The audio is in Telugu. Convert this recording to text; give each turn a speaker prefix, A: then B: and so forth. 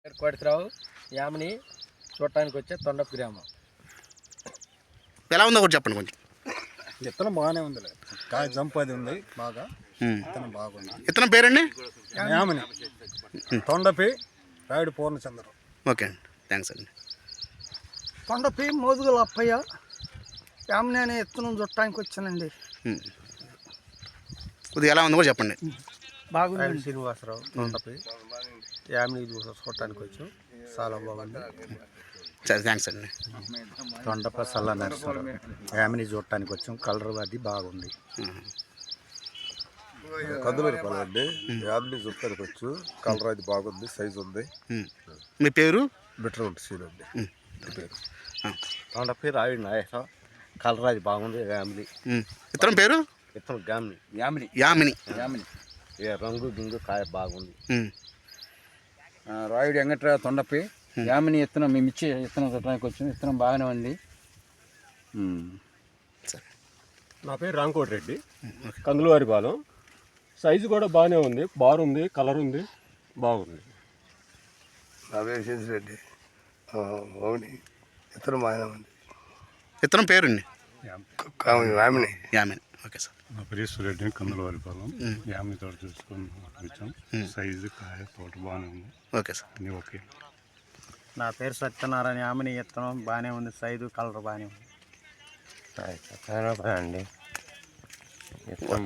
A: కోటిరావు యామిని చూడటానికి వచ్చే తొండపు గ్రామం.
B: ఎలా ఉందో కూడా చెప్పండి కొంచెం.
C: విత్తనం బాగానే ఉంది, కాయ జంప్ అది ఉంది బాగా. విత్తనం బాగుంది.
B: విత్తనం పేరండి?
C: యామిని తొండపి రాయుడు పూర్ణచంద్రం.
B: ఓకే అండి, థ్యాంక్స్ అండి.
D: కొండపి మోదుగుల అప్పయ్య యామిని అనే విత్తనం చుట్టానికి వచ్చానండి.
B: కొద్దిగా ఎలా ఉందో కూడా చెప్పండి.
D: బాగుంది.
A: శ్రీనివాసరావు తొండపి యామిని చూడటానికి వచ్చాం, చాలా బాగుంది.
B: సరే, థ్యాంక్స్ అండి.
C: తొండప సల్ల నరసరావు యామిని చూడటానికి వచ్చాం, కలర్ అది బాగుంది.
E: కందులూరు అండి. యామిని చూడటానికి వచ్చు, కలర్ అది బాగుంది, సైజు ఉంది.
B: మీ పేరు?
E: బెటర్ ఉంటుంది సీన్ అండి. పేరు
A: తొండపి రాయుడు నాయకరావు, కలర్ అది బాగుంది. యామిని
B: విత్తనం పేరు?
A: విత్తనం యామిని
B: యామిని.
A: యామిని రంగు గింగు కాయ బాగుంది.
F: రాయుడు వెంకట్రావు తొండపి యామిని విత్తనం మేము ఇచ్చి విత్తనం చుట్టడానికి వచ్చాము. విత్తనం బాగానే ఉంది.
G: నా పేరు రాంకోటి రెడ్డి, కందులవారిపాలెం. సైజు కూడా బాగానే ఉంది, బారుంది, కలర్ ఉంది, బాగుంది.
E: నా పేరు శశిరెడ్డి, అవుని ఇతను బాగానే ఉంది.
B: విత్తనం పేరండి?
E: యామిని.
B: యామిని. Okay sir.
H: నా పేరు రెడ్డి, కందులవారిపాలెం. యామిని తోట చూసుకొని వచ్చాం. సైజు కాయ తోట బాగానే ఉంది.
B: Okay sir.
H: అన్నీ ఓకే.
D: నా పేరు సత్యనారాయణ. యామిని విత్తనం బాగానే ఉంది, సైజు కలర్ బాగానే ఉంది.
A: అండి